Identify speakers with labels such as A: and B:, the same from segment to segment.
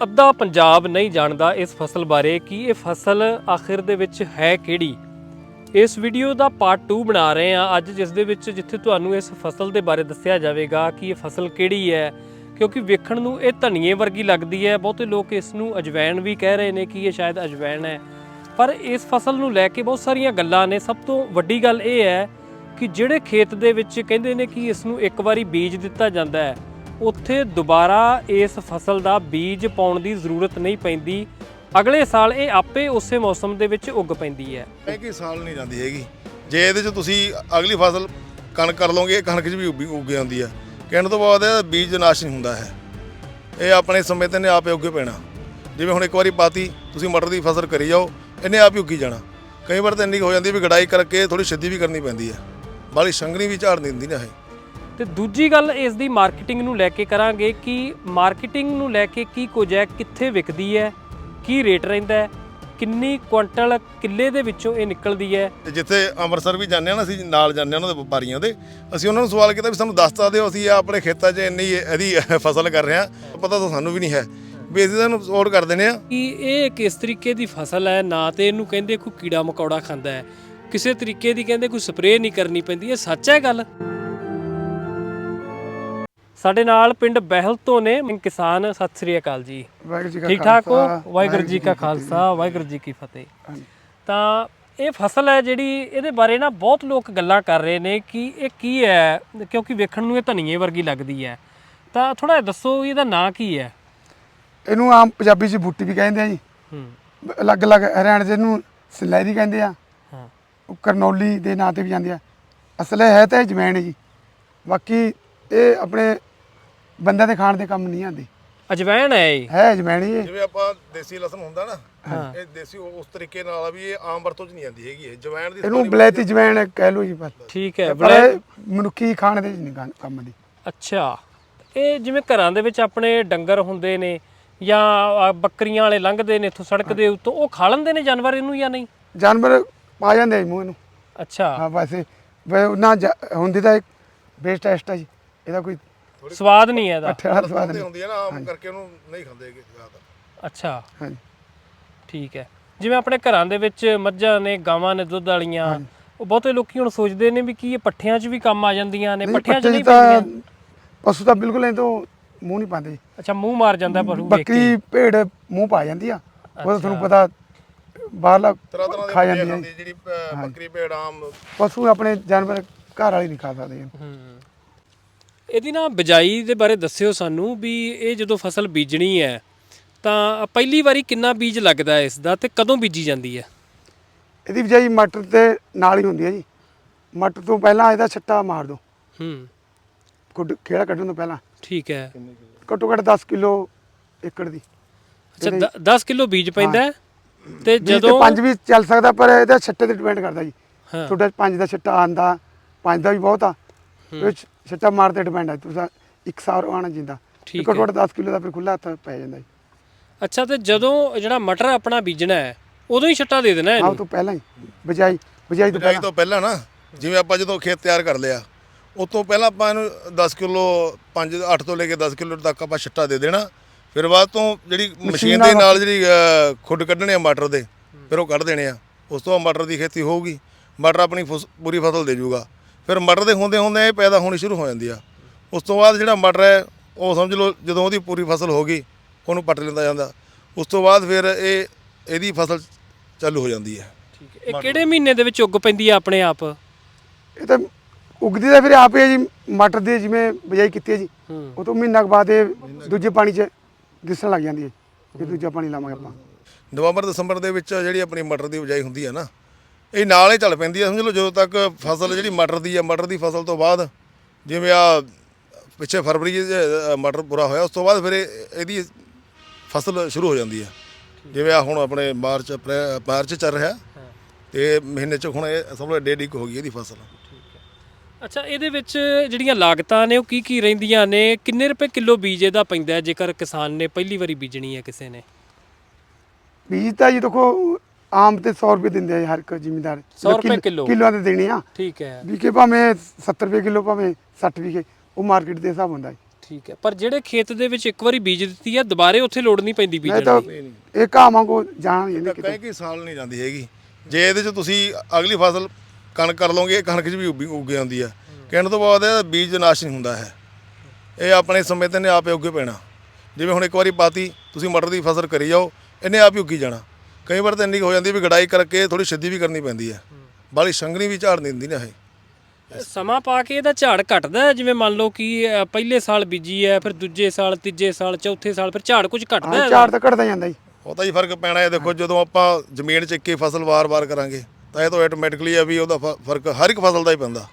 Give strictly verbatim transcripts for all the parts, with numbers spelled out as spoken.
A: ਅੱਧਾ ਪੰਜਾਬ ਨਹੀਂ ਜਾਣਦਾ ਇਸ ਫਸਲ ਬਾਰੇ ਕਿ ਇਹ ਫਸਲ ਆਖਿਰ ਦੇ ਵਿੱਚ ਹੈ ਕਿਹੜੀ। ਇਸ ਵੀਡੀਓ ਦਾ ਪਾਰਟ ਟੂ ਬਣਾ ਰਹੇ ਹਾਂ ਅੱਜ, ਜਿਸ ਦੇ ਵਿੱਚ ਜਿੱਥੇ ਤੁਹਾਨੂੰ ਇਸ ਫਸਲ ਦੇ ਬਾਰੇ ਦੱਸਿਆ ਜਾਵੇਗਾ ਕਿ ਇਹ ਫਸਲ ਕਿਹੜੀ ਹੈ, ਕਿਉਂਕਿ ਵੇਖਣ ਨੂੰ ਇਹ ਧਨੀਏ ਵਰਗੀ ਲੱਗਦੀ ਹੈ। ਬਹੁਤੇ ਲੋਕ ਇਸ ਨੂੰ ਅਜਵੈਣ ਵੀ ਕਹਿ ਰਹੇ ਨੇ ਕਿ ਇਹ ਸ਼ਾਇਦ ਅਜਵੈਣ ਹੈ, ਪਰ ਇਸ ਫਸਲ ਨੂੰ ਲੈ ਕੇ ਬਹੁਤ ਸਾਰੀਆਂ ਗੱਲਾਂ ਨੇ। ਸਭ ਤੋਂ ਵੱਡੀ ਗੱਲ ਇਹ ਹੈ ਕਿ ਜਿਹੜੇ ਖੇਤ ਦੇ ਵਿੱਚ ਕਹਿੰਦੇ ਨੇ ਕਿ ਇਸ ਨੂੰ ਇੱਕ ਵਾਰੀ ਬੀਜ ਦਿੱਤਾ ਜਾਂਦਾ ਹੈ, ਉੱਥੇ ਦੁਬਾਰਾ ਇਸ ਫਸਲ ਦਾ ਬੀਜ ਪਾਉਣ ਦੀ ਜ਼ਰੂਰਤ ਨਹੀਂ ਪੈਂਦੀ। ਅਗਲੇ ਸਾਲ ਇਹ ਆਪੇ ਉਸੇ ਮੌਸਮ ਦੇ ਵਿੱਚ ਉੱਗ ਪੈਂਦੀ ਹੈ।
B: ਇਹ ਕਿ ਸਾਲ ਨਹੀਂ ਜਾਂਦੀ ਹੈਗੀ। ਜੇ ਇਹਦੇ 'ਚ ਤੁਸੀਂ ਅਗਲੀ ਫਸਲ ਕਣਕ ਕਰ ਲਓਗੇ, ਇਹ ਕਣਕ 'ਚ ਵੀ ਉੱਗੀ ਉੱਗ ਜਾਂਦੀ ਹੈ। ਕਹਿਣ ਤੋਂ ਬਾਅਦ ਇਹ ਬੀਜ ਨਾਸ਼ ਨਹੀਂ ਹੁੰਦਾ ਹੈ, ਇਹ ਆਪਣੇ ਸਮੇਂ 'ਤੇ ਨੇ ਆਪੇ ਉੱਗੇ ਪੈਣਾ। ਜਿਵੇਂ ਹੁਣ ਇੱਕ ਵਾਰੀ ਪਾਤੀ ਤੁਸੀਂ ਮਟਰ ਦੀ ਫਸਲ ਕਰੀ ਜਾਓ, ਇਹਨੇ ਆਪ ਹੀ ਉੱਗੀ ਜਾਣਾ। ਕਈ ਵਾਰ ਤਾਂ ਇੰਨੀ ਹੋ ਜਾਂਦੀ ਵੀ ਗੜਾਈ ਕਰਕੇ ਥੋੜ੍ਹੀ ਸਿੱਧੀ ਵੀ ਕਰਨੀ ਪੈਂਦੀ ਹੈ, ਬਾਹਲੀ ਸੰਘਣੀ ਵੀ ਝਾੜ ਦਿੰਦੀ ਨਾ ਇਹ।
A: ਤੇ ਦੂਜੀ ਗੱਲ ਇਸ ਦੀ ਮਾਰਕੀਟਿੰਗ ਨੂੰ ਲੈ ਕੇ ਕਰਾਂਗੇ ਕਿ ਮਾਰਕੀਟਿੰਗ ਨੂੰ ਲੈ ਕੇ ਕੀ ਕੁਝ ਹੈ, ਕਿੱਥੇ ਵਿਕਦੀ ਹੈ, ਕੀ ਰੇਟ ਰਹਿੰਦਾ ਹੈ, ਕਿੰਨੀ ਕੁਇੰਟਲ ਕਿੱਲੇ ਦੇ ਵਿੱਚੋਂ ਇਹ ਨਿਕਲਦੀ ਹੈ।
B: ਤੇ ਜਿੱਥੇ ਅੰਮ੍ਰਿਤਸਰ ਵੀ ਜਾਂਦੇ ਹਾਂ ਨਾ, ਅਸੀਂ ਨਾਲ ਜਾਂਦੇ ਹਾਂ ਉਹਨਾਂ ਦੇ ਵਪਾਰੀਆਂ ਦੇ, ਅਸੀਂ ਉਹਨਾਂ ਨੂੰ ਸਵਾਲ ਕੀਤਾ ਵੀ ਸਾਨੂੰ ਦੱਸ ਸਕਦੇ ਹੋ ਅਸੀਂ ਆਪਣੇ ਖੇਤਾਂ 'ਚ ਇੰਨੀ ਇਹਦੀ ਫਸਲ ਕਰ ਰਹੇ ਹਾਂ, ਪਤਾ ਤਾਂ ਸਾਨੂੰ ਵੀ ਨਹੀਂ ਹੈ ਵੀ ਅਸੀਂ ਤੁਹਾਨੂੰ ਸਪੋਰਟ ਕਰ ਦਿੰਦੇ ਹਾਂ
A: ਕਿ ਇਹ ਕਿਸ ਤਰੀਕੇ ਦੀ ਫਸਲ ਹੈ। ਨਾ ਤੇ ਇਹਨੂੰ ਕਹਿੰਦੇ ਕੋਈ ਕੀੜਾ ਮਕੌੜਾ ਖਾਂਦਾ ਹੈ, ਕਿਸੇ ਤਰੀਕੇ ਦੀ ਕਹਿੰਦੇ ਕੋਈ ਸਪਰੇਅ ਨਹੀਂ ਕਰਨੀ ਪੈਂਦੀ। ਇਹ ਸੱਚ ਹੈ ਗੱਲ? ਸਾਡੇ ਨਾਲ ਪਿੰਡ ਬਹਿਲ ਤੋਂ ਨੇ ਕਿਸਾਨ। ਸਤਿ ਸ੍ਰੀ ਅਕਾਲ ਜੀ, ਠੀਕ ਠਾਕ ਹੋ? ਵਾਹਿਗੁਰੂ ਜੀ ਕਾ ਖਾਲਸਾ, ਵਾਹਿਗੁਰੂ ਜੀ ਕੀ ਫਤਿਹ। ਤਾਂ ਇਹ ਫਸਲ ਹੈ ਜਿਹੜੀ, ਇਹਦੇ ਬਾਰੇ ਨਾ ਬਹੁਤ ਲੋਕ ਗੱਲਾਂ ਕਰ ਰਹੇ ਨੇ ਕਿ ਇਹ ਕੀ ਹੈ, ਕਿਉਂਕਿ ਵੇਖਣ ਨੂੰ ਇਹ ਧਨੀਏ ਵਰਗੀ ਲੱਗਦੀ ਹੈ। ਤਾਂ ਥੋੜਾ ਜਿਹਾ ਦੱਸੋ ਇਹਦਾ ਨਾਂ ਕੀ ਹੈ?
C: ਇਹਨੂੰ ਆਮ ਪੰਜਾਬੀ 'ਚ ਬੂਟੀ ਵੀ ਕਹਿੰਦੇ ਆ ਜੀ, ਅਲੱਗ ਅਲੱਗ ਹਰਿਆਣੇ 'ਚ ਇਹਨੂੰ ਸਲੈਰੀ ਕਹਿੰਦੇ ਆ, ਉਹ ਕਰਨੌਲੀ ਦੇ ਨਾਂ 'ਤੇ ਵੀ ਜਾਂਦੇ ਆ। ਅਸਲ ਹੈ ਤਾਂ ਇਹ ਜਮੈਣ ਹੈ ਜੀ, ਬਾਕੀ ਇਹ ਆਪਣੇ ਬੰਦਿਆਂ ਦੇ ਖਾਣ ਦੇ ਕੰਮ ਨਹੀਂ ਆਉਂਦੀ।
A: ਅਜਵੈਣ ਹੈ ਇਹ?
C: ਹੈ ਅਜਵੈਣ ਹੀ।
B: ਜਿਵੇਂ ਆਪਾਂ ਦੇਸੀ ਲਸਣ ਹੁੰਦਾ ਨਾ, ਇਹ ਦੇਸੀ ਉਸ ਤਰੀਕੇ ਨਾਲ ਆ ਵੀ ਇਹ ਆਮ ਵਰਤੋਂ 'ਚ ਨਹੀਂ ਆਉਂਦੀ ਹੈਗੀ। ਇਹ ਜਵੈਣ ਦੀ
C: ਇਹਨੂੰ ਬਲੈਤੀ ਜਵੈਣ ਕਹਿ ਲਓ ਜੀ ਬਸ।
A: ਠੀਕ ਹੈ,
C: ਪਰ ਇਹ ਮਨੁੱਖੀ ਖਾਣ ਦੇ ਨਹੀਂ ਕੰਮ ਦੀ।
A: ਅੱਛਾ, ਇਹ ਜਿਵੇਂ ਘਰਾਂ ਦੇ ਵਿੱਚ ਆਪਣੇ ਡੰਗਰ ਹੁੰਦੇ ਨੇ ਜਾਂ ਬੱਕਰੀਆਂ ਵਾਲੇ ਲੰਘਦੇ ਨੇ ਇੱਥੋਂ ਸੜਕ ਦੇ ਉੱਤੋਂ, ਉਹ ਖਾ ਲੈਂਦੇ ਨੇ ਜਾਨਵਰ ਇਹਨੂੰ ਜਾਂ ਨਹੀਂ?
C: ਜਾਨਵਰ ਪਾ ਜਾਂਦੇ ਆ ਮੂੰਹ ਇਹਨੂੰ। ਅੱਛਾ ਹਾਂ, ਵੈਸੇ ਨਾ ਹੁੰਦੀ ਤਾਂ ਇੱਕ ਬੇਸਟ ਟੈਸਟ ਹੈ ਜੀ, ਇਹਦਾ ਕੋਈ
A: ਸਵਾਦ ਨਹੀਂ ਹੈ ਇਹਦਾ।
C: ਸਵਾਦ
B: ਹੁੰਦੀ ਹੈ ਨਾ, ਆਮ ਕਰਕੇ ਉਹਨੂੰ ਨਹੀਂ ਖਾਂਦੇ ਹੈਗੇ ਜ਼ਿਆਦਾ।
A: ਅੱਛਾ
C: ਹਾਂਜੀ,
A: ਠੀਕ ਹੈ। ਜਿਵੇਂ ਆਪਣੇ ਘਰਾਂ ਦੇ ਵਿੱਚ ਮੱਝਾਂ ਨੇ, ਗਾਵਾਂ ਨੇ ਦੁੱਧ ਵਾਲੀਆਂ, ਉਹ ਬਹੁਤੇ ਲੋਕੀ ਹੁਣ ਸੋਚਦੇ ਨੇ ਵੀ ਕੀ ਇਹ ਪੱਠਿਆਂ 'ਚ ਵੀ ਕੰਮ ਆ ਜਾਂਦੀਆਂ ਨੇ? ਪੱਠਿਆਂ 'ਚ ਨਹੀਂ ਪੈਂਦੀਆਂ?
C: ਪਸ਼ੂ ਤਾਂ ਬਿਲਕੁਲ ਇਹ ਤੋਂ ਮੂੰਹ ਨਹੀਂ ਪਾਉਂਦੇ।
A: ਅੱਛਾ, ਮੂੰਹ ਮਾਰ ਜਾਂਦਾ ਪਸ਼ੂ?
C: ਬੱਕਰੀ ਭੇਡ ਮੂੰਹ ਪਾ ਜਾਂਦੀ ਆ, ਉਹ ਤੁਹਾਨੂੰ ਪਤਾ ਬਾਹਰਲਾ
B: ਤਰ੍ਹਾਂ ਤਰ੍ਹਾਂ
C: ਖਾ ਜਾਂਦੀ ਹੈ
B: ਜਿਹੜੀ ਬੱਕਰੀ ਭੇਡ ਆਮ
C: ਪਸ਼ੂ। ਆਪਣੇ ਜਾਨਵਰ ਘਰ ਵਾਲੇ ਨਹੀਂ ਖਾ ਸਕਦੇ।
A: ਇਹਦੀ ਨਾ ਬਿਜਾਈ ਦੇ ਬਾਰੇ ਦੱਸਿਓ ਸਾਨੂੰ ਵੀ ਇਹ ਜਦੋਂ ਫਸਲ ਬੀਜਣੀ ਹੈ ਤਾਂ ਪਹਿਲੀ ਵਾਰੀ ਕਿੰਨਾ ਬੀਜ ਲੱਗਦਾ ਹੈ ਇਸ ਦਾ, ਤੇ ਕਦੋਂ ਬੀਜੀ ਜਾਂਦੀ ਹੈ?
C: ਇਹਦੀ ਬਿਜਾਈ ਮਟਰ ਦੇ ਨਾਲ ਹੀ ਹੁੰਦੀ ਹੈ ਜੀ। ਮਟਰ ਤੋਂ ਪਹਿਲਾਂ ਇਹਦਾ ਛੱਟਾ ਮਾਰ ਦਿਓ,
A: ਹੂੰ,
C: ਕੁੱਡ ਖੇੜਾ ਕੱਢਣ ਤੋਂ ਪਹਿਲਾਂ।
A: ਠੀਕ ਹੈ।
C: ਘੱਟੋ ਘੱਟ ਦਸ ਕਿਲੋ ਏਕੜ ਦੀ।
A: ਅੱਛਾ, ਦਸ ਕਿਲੋ ਬੀਜ ਪੈਂਦਾ ਹੈ। ਤੇ ਜਦੋਂ
C: ਪੰਜ ਵੀ ਚੱਲ ਸਕਦਾ, ਪਰ ਇਹਦਾ ਛੱਟੇ ਤੇ ਡਿਪੈਂਡ ਕਰਦਾ ਜੀ।
A: ਹਾਂ,
C: ਤੁਹਾਡਾ ਪੰਜ ਦਾ ਛੱਟਾ ਆਂਦਾ, ਪੰਜ ਦਾ ਵੀ ਬਹੁਤ ਆ, ਛੱਟਾ ਮਾਰ ਤੇ ਡਿਪੈਂਡ ਹੈ। ਤੁਸੀਂ ਇੱਕ ਸਾਰ ਆਣਾ ਜਿੰਦਾ ਘੱਟੋ ਘੱਟ ਦਸ ਕਿਲੋ ਦਾ ਫਿਰ ਖੁੱਲਾ ਹੱਥ ਪੈ ਜਾਂਦਾ ਜੀ।
A: ਅੱਛਾ, ਤੇ ਜਦੋਂ ਜਿਹੜਾ ਮਟਰ ਆਪਣਾ ਬੀਜਣਾ ਹੈ ਉਦੋਂ ਹੀ ਛੱਟਾ ਦੇ ਦੇਣਾ?
C: ਹਾਂ, ਤੋਂ ਪਹਿਲਾਂ ਹੀ ਬਿਜਾਈ ਬਿਜਾਈ ਤੋਂ
B: ਬਿਜਾਈ ਤੋਂ ਪਹਿਲਾਂ ਨਾ, ਜਿਵੇਂ ਆਪਾਂ ਜਦੋਂ ਖੇਤ ਤਿਆਰ ਕਰ ਲਿਆ ਉਸ ਤੋਂ ਪਹਿਲਾਂ ਆਪਾਂ ਇਹਨੂੰ ਦਸ ਕਿਲੋ, ਪੰਜ ਅੱਠ ਤੋਂ ਲੈ ਕੇ ਦਸ ਕਿਲੋ ਤੱਕ ਆਪਾਂ ਛੱਟਾ ਦੇ ਦੇਣਾ। ਫਿਰ ਬਾਅਦ ਤੋਂ ਜਿਹੜੀ ਮਸ਼ੀਨ ਦੇ ਨਾਲ ਜਿਹੜੀ ਖੁੱਡ ਕੱਢਣੇ ਆ ਮਟਰ ਦੇ, ਫਿਰ ਉਹ ਕੱਢ ਦੇਣੇ ਆ। ਉਸ ਤੋਂ ਬਾਅਦ ਮਟਰ ਦੀ ਖੇਤੀ ਹੋਊਗੀ, ਮਟਰ ਆਪਣੀ ਪੂਰੀ ਫਸਲ ਦੇ ਜੂਗਾ। ਫਿਰ ਮਟਰ ਦੇ ਹੁੰਦੇ ਹੁੰਦੇ ਇਹ ਪੈਦਾ ਹੋਣੀ ਸ਼ੁਰੂ ਹੋ ਜਾਂਦੀ ਆ। ਉਸ ਤੋਂ ਬਾਅਦ ਜਿਹੜਾ ਮਟਰ ਹੈ ਉਹ ਸਮਝ ਲਓ ਜਦੋਂ ਉਹਦੀ ਪੂਰੀ ਫਸਲ ਹੋ ਗਈ ਉਹਨੂੰ ਪੱਟ ਲੈਂਦਾ ਜਾਂਦਾ। ਉਸ ਤੋਂ ਬਾਅਦ ਫਿਰ ਇਹ ਇਹਦੀ ਫਸਲ ਚਾਲੂ ਹੋ ਜਾਂਦੀ ਹੈ।
A: ਠੀਕ ਹੈ। ਇਹ ਕਿਹੜੇ ਮਹੀਨੇ ਦੇ ਵਿੱਚ ਉੱਗ ਪੈਂਦੀ ਹੈ ਆਪਣੇ ਆਪ?
C: ਇਹ ਤਾਂ ਉਗਦੀ ਤਾਂ ਫਿਰ ਆਪ ਹੀ ਜੀ। ਮਟਰ ਦੀ ਜਿਵੇਂ ਬਿਜਾਈ ਕੀਤੀ ਹੈ ਜੀ, ਉਹ ਤੋਂ ਮਹੀਨਾ ਕੁ ਬਾਅਦ ਇਹ ਦੂਜੇ ਪਾਣੀ 'ਚ ਦਿਸਣ ਲੱਗ ਜਾਂਦੀ ਹੈ ਕਿ ਦੂਜਾ ਪਾਣੀ ਲਾਵਾਂਗੇ ਆਪਾਂ।
B: ਨਵੰਬਰ ਦਸੰਬਰ ਦੇ ਵਿੱਚ ਜਿਹੜੀ ਆਪਣੀ ਮਟਰ ਦੀ ਬਿਜਾਈ ਹੁੰਦੀ ਹੈ ਨਾ, ਇਹ ਨਾਲ ਹੀ ਚੱਲ ਪੈਂਦੀ ਹੈ। ਸਮਝ ਲਓ ਜਦੋਂ ਤੱਕ ਫਸਲ ਜਿਹੜੀ ਮਟਰ ਦੀ ਆ, ਮਟਰ ਦੀ ਫਸਲ ਤੋਂ ਬਾਅਦ ਜਿਵੇਂ ਆ ਪਿੱਛੇ ਫਰਵਰੀ ਮਟਰ ਪੂਰਾ ਹੋਇਆ, ਉਸ ਤੋਂ ਬਾਅਦ ਫਿਰ ਇਹਦੀ ਫਸਲ ਸ਼ੁਰੂ ਹੋ ਜਾਂਦੀ ਹੈ। ਜਿਵੇਂ ਆ ਹੁਣ ਆਪਣੇ ਮਾਰਚ ਅਪ੍ਰੈਲ ਮਾਰਚ ਚੱਲ ਰਿਹਾ, ਤੇ ਮਹੀਨੇ 'ਚ ਹੁਣ ਇਹ ਸਮਝ ਲਓ ਡੇਢ ਇੱਕ ਹੋ ਗਈ ਇਹਦੀ ਫਸਲ।
A: ਅੱਛਾ, ਇਹਦੇ ਵਿੱਚ ਜਿਹੜੀਆਂ ਲਾਗਤਾਂ ਨੇ ਉਹ ਕੀ ਕੀ ਰਹਿੰਦੀਆਂ ਨੇ? ਕਿੰਨੇ ਰੁਪਏ ਕਿਲੋ ਬੀਜ ਇਹਦਾ ਪੈਂਦਾ ਜੇਕਰ ਕਿਸਾਨ ਨੇ ਪਹਿਲੀ ਵਾਰੀ ਬੀਜਣੀ ਹੈ ਕਿਸੇ ਨੇ?
C: ਬੀਜ ਤਾਂ ਜੀ ਦੇਖੋ ਆਮ ਤੇ ਸੌ ਰੁਪਏ ਦਿੰਦੇ ਆ ਹਰ ਇੱਕ ਜ਼ਿਮੀਂਦਾਰ।
A: ਸੌ ਰੁਪਏ ਕਿਲੋ
C: ਕਿਲੋਆਂ ਤੇ ਦੇਣੀ ਆ।
A: ਠੀਕ ਹੈ।
C: ਵਿਕੇ ਭਾਵੇਂ ਸੱਤਰ ਰੁਪਏ ਕਿਲੋ, ਭਾਵੇਂ ਸੱਠ ਵਿਕੇ, ਉਹ ਮਾਰਕੀਟ ਦੇ ਹਿਸਾਬ ਹੁੰਦਾ ਜੀ।
A: ਠੀਕ ਹੈ, ਪਰ ਜਿਹੜੇ ਖੇਤ ਦੇ ਵਿੱਚ ਇੱਕ ਵਾਰੀ ਬੀਜ ਦਿੱਤੀ ਹੈ ਦੁਬਾਰੇ ਉੱਥੇ ਲੋੜ ਨਹੀਂ ਪੈਂਦੀ
C: ਨਹੀਂ
A: ਬੀਜਣ
C: ਤਾਂ
A: ਦੀ।
C: ਇਹ ਘਾਹ ਵਾਂਗੂ ਜਾਣਾ ਨਹੀਂ
B: ਤਾਂ
C: ਕਿਤੇ।
B: ਕਈ ਕਈ ਸਾਲ ਨਹੀਂ ਜਾਂਦੀ ਹੈਗੀ। ਜੇ ਇਹਦੇ 'ਚ ਤੁਸੀਂ ਅਗਲੀ ਫਸਲ ਕਣਕ ਕਰ ਲਓਗੇ, ਇਹ ਕਣਕ 'ਚ ਵੀ ਉੱਗੀ ਉੱਗ ਜਾਂਦੀ ਹੈ। ਕਹਿਣ ਤੋਂ ਬਾਅਦ ਇਹਦਾ ਬੀਜ ਨਾਸ਼ ਨਹੀਂ ਹੁੰਦਾ ਹੈ, ਇਹ ਆਪਣੇ ਸਮੇਂ ਤੇ ਨੇ ਆਪੇ ਉੱਗੇ ਪੈਣਾ। ਜਿਵੇਂ ਹੁਣ ਇੱਕ ਵਾਰੀ ਪਾਤੀ ਤੁਸੀਂ ਮਟਰ ਦੀ ਫਸਲ ਕਰੀ ਜਾਓ, ਇਹਨੇ ਆਪ ਹੀ ਉੱਗੀ ਜਾਣਾ। ਕਈ ਵਾਰ ਤਾਂ ਇੰਨੀ ਕੁ ਹੋ ਜਾਂਦੀ ਵੀ ਗੜਾਈ ਕਰਕੇ ਥੋੜੀ ਸਿੱਧੀ ਵੀ ਕਰਨੀ ਪੈਂਦੀ ਹੈ, ਬਾਹਲੀ ਸੰਘਣੀ ਵੀ ਝਾੜ ਨਹੀਂ ਦਿੰਦੀ ਨਾ ਇਹ।
A: ਸਮਾਂ ਪਾ ਕੇ ਇਹਦਾ ਝਾੜ ਘਟਦਾ ਹੈ, ਜਿਵੇਂ ਮੰਨ ਲਓ ਕਿ ਅ, ਪਹਿਲੇ ਸਾਲ ਬੀਜੀ ਹੈ, ਫਿਰ ਦੂਜੇ ਸਾਲ, ਤੀਜੇ ਸਾਲ, ਚੌਥੇ ਸਾਲ ਫਿਰ ਝਾੜ ਕੁਝ ਘਟਦਾ
C: ਹਾਂ
A: ਹੈ?
C: ਝਾੜ ਤਾਂ ਘਟਦਾ ਜਾਂਦਾ ਜੀ।
B: ਉਹ ਤਾਂ ਹੀ ਫਰਕ ਪੈਣਾ ਹੈ। ਦੇਖੋ ਜਦੋਂ ਆਪਾਂ ਜ਼ਮੀਨ 'ਚ ਇੱਕੇ ਫਸਲ ਵਾਰ-ਵਾਰ ਕਰਾਂਗੇ ਤਾਂ ਇਹ ਤਾਂ ਆਟੋਮੈਟਿਕਲੀ ਆ ਵੀ ਉਹਦਾ ਫ- ਫਰਕ ਹਰ ਇੱਕ ਫਸਲ ਦਾ ਹੀ ਪੈਂਦਾ।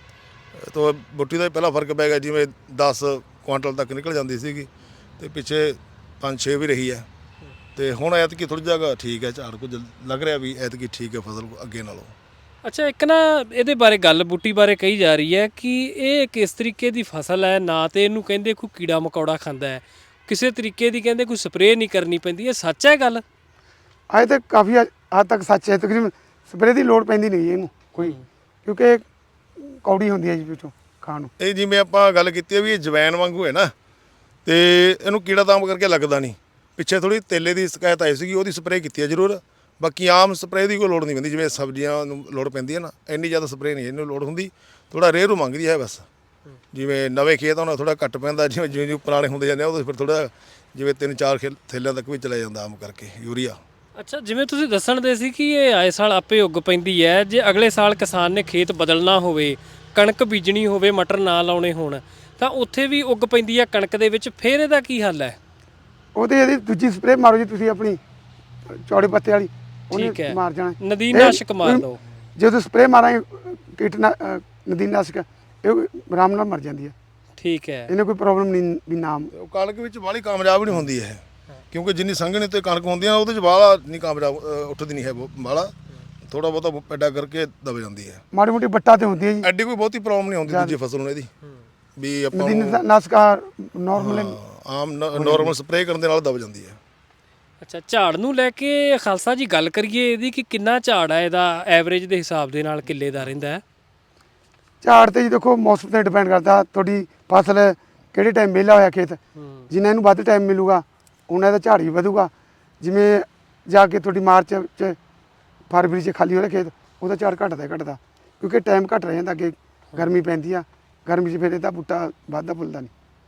B: ਤਾਂ ਬੁੱਟੀ ਦਾ ਹੀ ਪਹਿਲਾਂ ਫਰਕ ਪੈ ਗਿਆ, ਜਿਵੇਂ ਦਸ ਕੁਆਂਟਲ ਤੱਕ ਨਿਕਲ ਜਾਂਦੀ ਸੀਗੀ ਤੇ ਪਿੱਛੇ ਪੰਜ ਛੇ ਵੀ ਰਹੀ ਹੈ। ਤੇ ਹੁਣ ਐਤਕੀ ਥੋੜੀ ਜਗ੍ਹਾ ਠੀਕ ਹੈ, ਝਾੜ ਕੁਝ ਲੱਗ ਰਿਹਾ ਵੀ ਐਤਕੀ ਠੀਕ ਹੈ ਫਸਲ ਅੱਗੇ ਨਾਲੋਂ।
A: ਅੱਛਾ, ਇੱਕ ਨਾ ਇਹਦੇ ਬਾਰੇ ਗੱਲ ਬੂਟੀ ਬਾਰੇ ਕਹੀ ਜਾ ਰਹੀ ਹੈ ਕਿ ਇਹ ਕਿਸ ਤਰੀਕੇ ਦੀ ਫਸਲ ਹੈ, ਨਾ ਤੇ ਇਹਨੂੰ ਕਹਿੰਦੇ ਕੋਈ ਕੀੜਾ ਮਕੌੜਾ ਖਾਂਦਾ ਹੈ, ਕਿਸੇ ਤਰੀਕੇ ਦੀ ਕਹਿੰਦੇ ਕੋਈ ਸਪਰੇਅ ਨਹੀਂ ਕਰਨੀ ਪੈਂਦੀ। ਇਹ ਸੱਚ ਹੈ ਗੱਲ?
C: ਅਜੇ ਤਾਂ ਕਾਫੀ ਹੱਦ ਤੱਕ ਸੱਚ ਹੈ। ਤਕਰੀਬਨ ਸਪਰੇਅ ਦੀ ਲੋੜ ਪੈਂਦੀ ਨਹੀਂ ਜੀ ਇਹਨੂੰ ਕੋਈ, ਕਿਉਂਕਿ ਕੌੜੀ ਹੁੰਦੀ ਹੈ ਜੀ ਵਿੱਚੋਂ ਖਾਣ ਨੂੰ।
B: ਇਹ ਜਿਵੇਂ ਆਪਾਂ ਗੱਲ ਕੀਤੀ ਹੈ ਵੀ ਇਹ ਜਵੈਣ ਵਾਂਗੂ ਹੈ ਨਾ, ਤੇ ਇਹਨੂੰ ਕੀੜਾ ਤਾਮ ਕਰਕੇ ਲੱਗਦਾ ਨਹੀਂ। ਪਿੱਛੇ ਥੋੜੀ ਤੇਲੇ ਦੀ ਸ਼ਿਕਾਇਤ ਆਈ ਸੀਗੀ, ਉਹਦੀ ਸਪਰੇਅ ਕੀਤੀ ਹੈ ਜ਼ਰੂਰ। ਬਾਕੀ ਆਮ ਸਪਰੇਅ ਦੀ ਕੋਈ ਲੋੜ ਨਹੀਂ ਪੈਂਦੀ, ਜਿਵੇਂ ਸਬਜ਼ੀਆਂ ਨੂੰ ਲੋੜ ਪੈਂਦੀ ਹੈ ਨਾ, ਇੰਨੀ ਜ਼ਿਆਦਾ ਸਪਰੇਅ ਨਹੀਂ ਇਹਨੂੰ ਲੋੜ ਹੁੰਦੀ। ਥੋੜਾ ਰੇਰੂ ਮੰਗਦੀ ਹੈ ਬਸ। ਜਿਵੇਂ ਨਵੇਂ ਖੇਤ ਉਹਨਾਂ ਥੋੜਾ ਘੱਟ ਪੈਂਦਾ, ਜਿਵੇਂ ਜਿਵੇਂ ਜਿਵੇਂ ਪੁਰਾਣੇ ਹੁੰਦੇ ਜਾਂਦੇ ਆ ਉਹਦੇ ਫਿਰ ਥੋੜਾ ਜਿਵੇਂ ਤਿੰਨ ਚਾਰ ਖੇ ਥੈਲਿਆਂ ਤੱਕ ਵੀ ਚਲਾ ਜਾਂਦਾ ਆਮ ਕਰਕੇ ਯੂਰੀਆ।
A: ਅੱਛਾ, ਜਿਵੇਂ ਤੁਸੀਂ ਦੱਸਣ ਦੇ ਸੀ ਕਿ ਇਹ ਆਏ ਸਾਲ ਆਪੇ ਉੱਗ ਪੈਂਦੀ ਹੈ, ਜੇ ਅਗਲੇ ਸਾਲ ਕਿਸਾਨ ਨੇ ਖੇਤ ਬਦਲਣਾ ਹੋਵੇ, ਕਣਕ ਬੀਜਣੀ ਹੋਵੇ, ਮਟਰ ਨਾ ਲਾਉਣੇ ਹੋਣ, ਤਾਂ ਉੱਥੇ ਵੀ ਉੱਗ ਪੈਂਦੀ ਹੈ ਕਣਕ ਦੇ ਵਿੱਚ, ਫਿਰ ਇਹਦਾ ਕੀ ਹੱਲ ਹੈ?
C: ਉਹਦੇ ਇਹਦੀ ਦੂਜੀ ਸਪਰੇਅ ਮਾਰੋ ਜੀ ਤੁਸੀਂ, ਆਪਣੀ ਚੌੜੇ ਪੱਤੇ ਵਾਲੀ,
A: ਠੀਕ
C: ਉਹਨੇ
A: ਹੈ,
C: ਮਾਰ ਜਾਣਾ।
A: ਨਦੀਨਾਸ਼ਕ ਮਾਰ ਲਓ।
C: ਜਦੋਂ ਸਪਰੇਅ ਮਾਰਾਂਗੇ ਕੀਟਨਾ ਨਦੀਨਾਸ਼ਕ, ਇਹ ਆਰਾਮ ਨਾਲ ਮਰ ਜਾਂਦੀ ਹੈ।
A: ਠੀਕ ਹੈ,
C: ਇਹਨੇ ਕੋਈ ਪ੍ਰੋਬਲਮ ਨਹੀਂ ਵੀ ਨਾਮ।
B: ਉਹ ਕਣਕ ਵਿੱਚ ਬਾਹਲੀ ਕਾਮਯਾਬ ਨਹੀਂ ਹੁੰਦੀ ਹੈ, ਕਿਉਂਕਿ ਜਿੰਨੀ ਸੰਘਣੀ ਤੇ ਕਣਕ ਹੁੰਦੀ ਹੈ ਉਹਦੇ 'ਚ ਬਾਹਲਾ ਨਹੀਂ ਕਾਮਯਾਬ ਅ, ਉੱਠਦੀ ਨਹੀਂ ਹੈ ਬਾਹਲਾ, ਥੋੜਾ ਬਹੁਤਾ ਪੈਦਾ ਕਰਕੇ ਦਬ ਜਾਂਦੀ ਹੈ।
C: ਮਾੜੀ ਮੋਟੀ ਬੱਟਾ ਤੇ ਹੁੰਦੀ ਹੈ ਜੀ।
B: ਐਡੀ ਕੋਈ ਬਹੁਤੀ ਪ੍ਰੋਬਲਮ ਨਹੀਂ ਆਉਂਦੀ ਦੂਜੀ ਫਸਲ ਨੂੰ ਇਹਦੀ, ਵੀ ਆਪਾਂ ਨੂੰ
C: ਨਦੀਨਾਸ਼ਕ ਨਾਰਮਲ
B: ਆਮ ਨੋਰਮਲ ਸਪਰੇਅ ਕਰਨ ਦੇ ਨਾਲ ਦਬ ਜਾਂਦੀ ਹੈ।
A: ਅੱਛਾ, ਝਾੜ ਨੂੰ ਲੈ ਕੇ ਖਾਲਸਾ ਜੀ ਗੱਲ ਕਰੀਏ ਇਹਦੀ ਕਿ ਕਿੰਨਾ ਝਾੜ ਹੈ ਇਹਦਾ ਐਵਰੇਜ ਦੇ ਹਿਸਾਬ ਦੇ ਨਾਲ ਕਿੱਲੇ ਦਾ ਰਹਿੰਦਾ ਹੈ?
C: ਝਾੜ ਤੇ ਜੀ ਦੇਖੋ ਮੌਸਮ ਤੇ ਡਿਪੈਂਡ ਕਰਦਾ, ਤੁਹਾਡੀ ਫਸਲ ਕਿਹੜੇ ਟਾਈਮ ਵਿਹਲਾ ਹੋਇਆ ਖੇਤ, ਜਿੰਨਾ ਇਹਨੂੰ ਵੱਧ ਟਾਈਮ ਮਿਲੂਗਾ ਉਹਨਾਂ ਇਹਦਾ ਝਾੜ ਵੀ ਵਧੂਗਾ। ਜਿਵੇਂ ਜਾ ਕੇ ਤੁਹਾਡੀ ਮਾਰਚ 'ਚ ਫਰਵਰੀ 'ਚ ਖਾਲੀ ਹੋ ਰਿਹਾ ਖੇਤ, ਉਹਦਾ ਝਾੜ ਘਟਦਾ ਘਟਦਾ, ਕਿਉਂਕਿ ਟਾਈਮ ਘੱਟ ਰਹਿ ਜਾਂਦਾ, ਅੱਗੇ ਗਰਮੀ ਪੈਂਦੀ ਆ, ਗਰਮੀ 'ਚ ਫਿਰ ਇਹਦਾ ਬੂਟਾ ਵੱਧਦਾ ਫੁੱਲਦਾ ਨਹੀਂ।